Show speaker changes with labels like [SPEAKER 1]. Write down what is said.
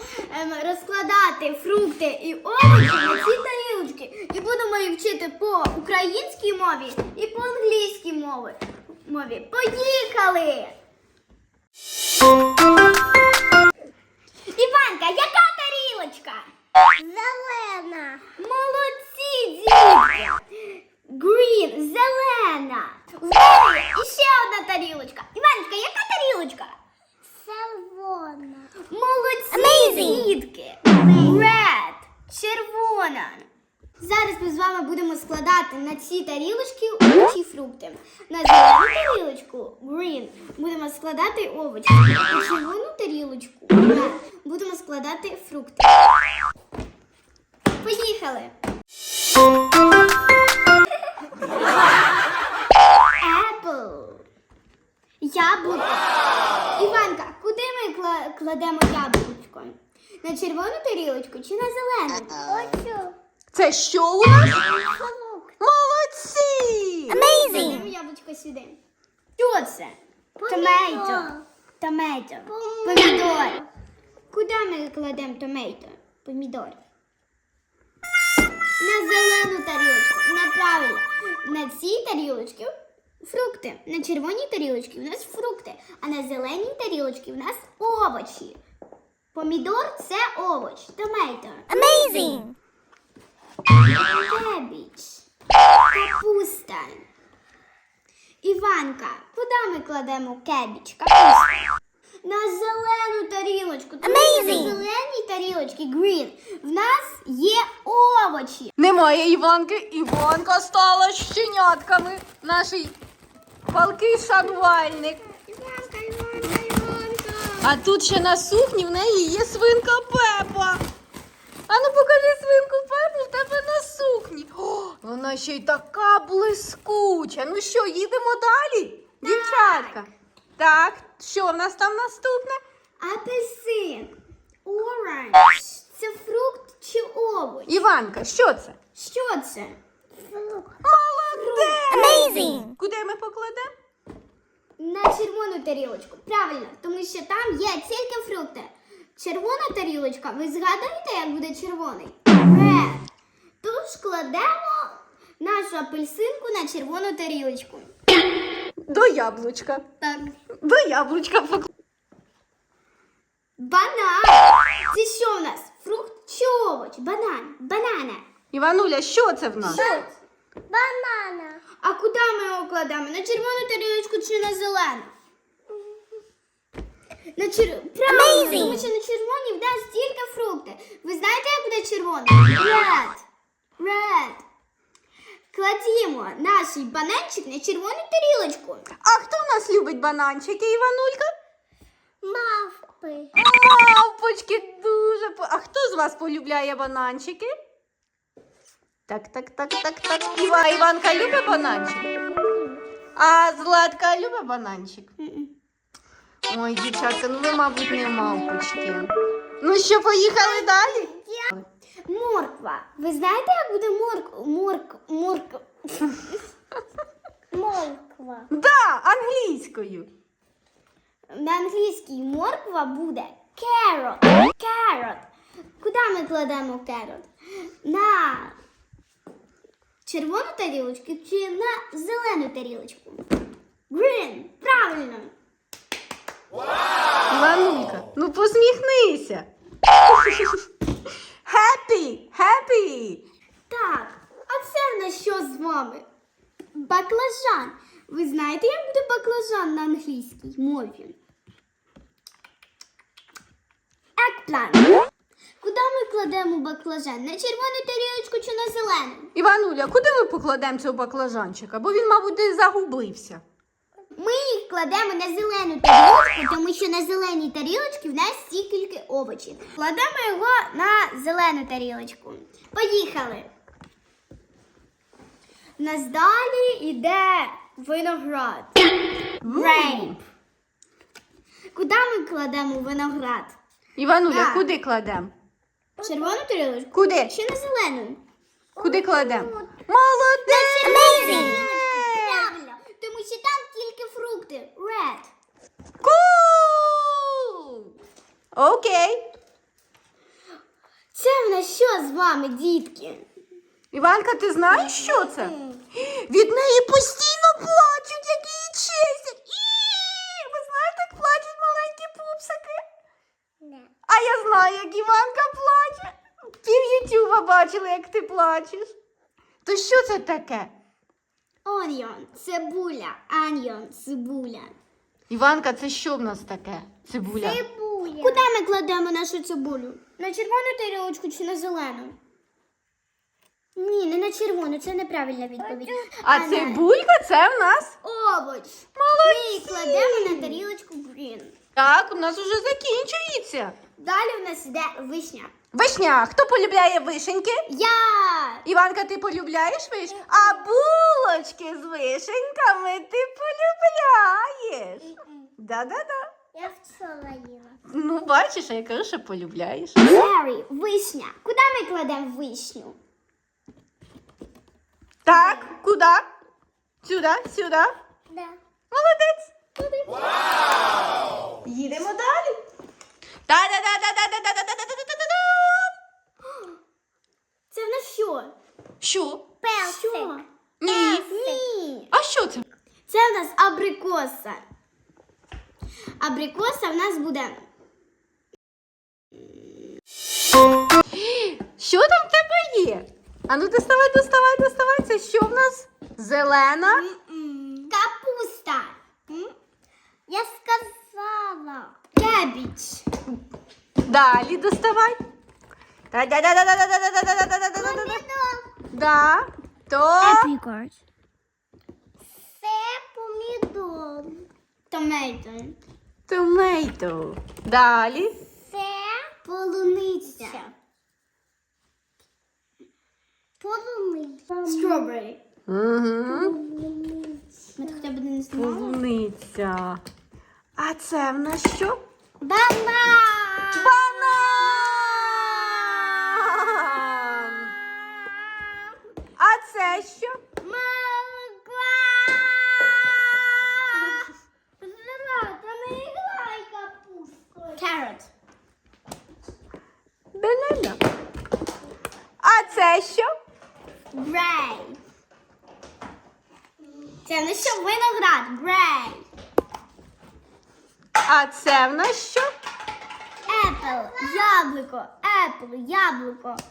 [SPEAKER 1] розкладати фрукти і овочі на ці тарілочки. І будемо їх вчити по українській мові і по англійській мові. Поїхали! Іванка, яка тарілочка?
[SPEAKER 2] Зелена.
[SPEAKER 1] Молодці, дітки! Green, зелена. В мене іще одна тарілочка. Іваночка, яка тарілочка?
[SPEAKER 2] Червона.
[SPEAKER 1] Молодці, дітки! Red, червона. Зараз ми з вами будемо складати на ці тарілочки овочі і фрукти. На зелену тарілочку, green, будемо складати овочі. На червону тарілочку, red, будемо складати фрукти. Поїхали! Apple. Яблуко. Іванка, куди ми кладемо яблучко? На червону тарілочку чи на зелену?
[SPEAKER 2] Хочу.
[SPEAKER 3] Це що у нас? Молодці!
[SPEAKER 1] Кладемо яблучко сюди. Що це? Томейто. Помідор. Куди ми кладемо томейто? Помідор. На зелену тарілочку. Неправильно. На цій тарілочці фрукти. На червоній тарілочці у нас фрукти, а на зеленій тарілочці у нас овочі. Помідор – це овоч. Томейто.
[SPEAKER 2] Amazing.
[SPEAKER 1] Кебіч. Капуста. Іванка, куди ми кладемо кебіч? Капуста. На зелену тарілочку. Тому що на зеленій тарілочці, green, в нас є овочі.
[SPEAKER 3] Немає Іванки. Іванка стала щенятками. Наш палкий шанувальник.
[SPEAKER 1] Іванка.
[SPEAKER 3] А тут ще на сукні в неї є свинка Пепа. А ну покажи свинку Пепу в тебе на сукні. О, вона ще й така блискуча. Ну що, їдемо далі? Дівчатка. Так, що в нас там наступне?
[SPEAKER 1] Апельсин. Оранж. Це фрукт чи овоч?
[SPEAKER 3] Іванка, що це?
[SPEAKER 1] Що це?
[SPEAKER 3] Молодець!
[SPEAKER 2] Amazing.
[SPEAKER 3] Куди ми покладемо?
[SPEAKER 1] На червону тарілочку. Правильно, тому що там є тільки фрукти. Червона тарілочка, ви згадуєте, як буде червоний? Red. Тож кладемо нашу апельсинку на червону тарілочку.
[SPEAKER 3] До яблучка.
[SPEAKER 1] Так.
[SPEAKER 3] До яблучка покладемо.
[SPEAKER 1] Банан. Це що в нас? Фрукт чи овоч? Банана.
[SPEAKER 3] Івануля, що це в нас?
[SPEAKER 1] Що?
[SPEAKER 2] Банана.
[SPEAKER 1] А куди ми його кладемо? На червону тарілочку чи на зелену? Правильно, тому що на червоній в нас тільки фрукти. Ви знаєте, як буде червоний? Red. Кладімо наш бананчик на червону тарілочку.
[SPEAKER 3] А хто в нас любить бананчики, Іванулька?
[SPEAKER 2] Мавпи.
[SPEAKER 3] Мавпочки дуже. А хто з вас полюбляє бананчики? Так. Іванка любить бананчик? А Златка любить бананчик? Ой, дівчатка, ну ви, мабуть, не мавпочки. Ну що, поїхали далі?
[SPEAKER 1] Морква. Ви знаєте, як буде
[SPEAKER 2] Морква.
[SPEAKER 3] Да, англійською.
[SPEAKER 1] На англійській морква буде carrot. Куди ми кладемо carrot? На червону тарілочку чи на зелену тарілочку? Green. Правильно.
[SPEAKER 3] Іванулька, ну посміхнися. Happy.
[SPEAKER 1] Так, а це в нас що з вами? Баклажан. Ви знаєте, як буде баклажан на англійській мові? Eggplant. Куди ми кладемо баклажан? На червону тарілочку чи на зелену?
[SPEAKER 3] Івануля, куди ми покладемо цього баклажанчика? Бо він, мабуть, десь загубився.
[SPEAKER 1] Ми їх кладемо на зелену тарілочку, тому що на зеленій тарілочці в нас тільки овочі. Кладемо його на зелену тарілочку. Поїхали. У нас далі йде виноград. Grape. Куди ми кладемо виноград?
[SPEAKER 3] Івануля,
[SPEAKER 1] Так.
[SPEAKER 3] куди кладемо?
[SPEAKER 1] Червону тарілочку?
[SPEAKER 3] Куди?
[SPEAKER 1] Чи на зелену?
[SPEAKER 3] Куди кладемо? Молодець!
[SPEAKER 1] Правильно, тому що там тільки фрукти. Red.
[SPEAKER 3] Cool! Окей.
[SPEAKER 1] вами, дітки.
[SPEAKER 3] Іванка, ти знаєш, що це? Від неї постійно плачуть, як її чесять. Ви знаєте, як плачуть маленькі пупсики?
[SPEAKER 2] Не.
[SPEAKER 3] А я знаю, як Іванка плаче. Пів Ютуба бачила, як ти плачеш. То що це таке?
[SPEAKER 1] Onion – цибуля. Onion – цибуля.
[SPEAKER 3] Іванка, це що в нас таке? Цибуля.
[SPEAKER 2] Цибуля.
[SPEAKER 1] Куди ми кладемо нашу цибулю? На червону тарілочку чи на зелену? Ні, не на червону, це неправильна відповідь.
[SPEAKER 3] А
[SPEAKER 1] на
[SPEAKER 3] цибулька це в нас.
[SPEAKER 1] овоч. Ми її кладемо на тарілочку green.
[SPEAKER 3] Так, у нас уже закінчується.
[SPEAKER 1] Далі в нас йде вишня.
[SPEAKER 3] Вишня. Хто полюбляє вишеньки?
[SPEAKER 1] Я!
[SPEAKER 3] Іванка, ти полюбляєш вишню? А булочки з вишеньками ти полюбляєш? Да-да-да.
[SPEAKER 2] Я вчора їла.
[SPEAKER 3] Ну, бачиш, а я кажу, що полюбляєш.
[SPEAKER 1] Cherry, вишня. Куди ми кладемо вишню?
[SPEAKER 3] Так, куди? Сюди, сюди.
[SPEAKER 2] Да.
[SPEAKER 3] Молодець. Їдемо далі. Та-да-да-да-да-да-да-да-да-да-да-да-да.
[SPEAKER 1] Це в нас що?
[SPEAKER 3] Що?
[SPEAKER 1] Що?
[SPEAKER 3] Ні.
[SPEAKER 1] Ні.
[SPEAKER 3] А що це?
[SPEAKER 1] Це в нас абрикоса. Абрикоса в нас буде.
[SPEAKER 3] Що там в тебе є? А ну доставай, доставай, доставай. Це що в нас? Зелена?
[SPEAKER 1] Капуста.
[SPEAKER 2] Я сказала.
[SPEAKER 1] Кебіч.
[SPEAKER 3] Далі доставай. Та-да-да-да-да-да-да-да-да-да-да-да-да-да. Да. То
[SPEAKER 1] Apricot.
[SPEAKER 2] Це помідор.
[SPEAKER 1] Tomato.
[SPEAKER 3] томейто. Далі.
[SPEAKER 2] Це
[SPEAKER 1] Полуниця.
[SPEAKER 2] полуниця.
[SPEAKER 1] Strawberry.
[SPEAKER 3] Угу.
[SPEAKER 1] Ми хоча б не знімали.
[SPEAKER 3] Полуниця. А це в нас що?
[SPEAKER 1] Банан.
[SPEAKER 3] Банан. А це що?
[SPEAKER 1] Молоко. Зелена, не грай капустою. Carrot.
[SPEAKER 3] Банана. А це що?
[SPEAKER 1] Грей. Це не що виноград. Грей.
[SPEAKER 3] А це в нас що?
[SPEAKER 1] Apple. Яблуко. Apple. Яблуко.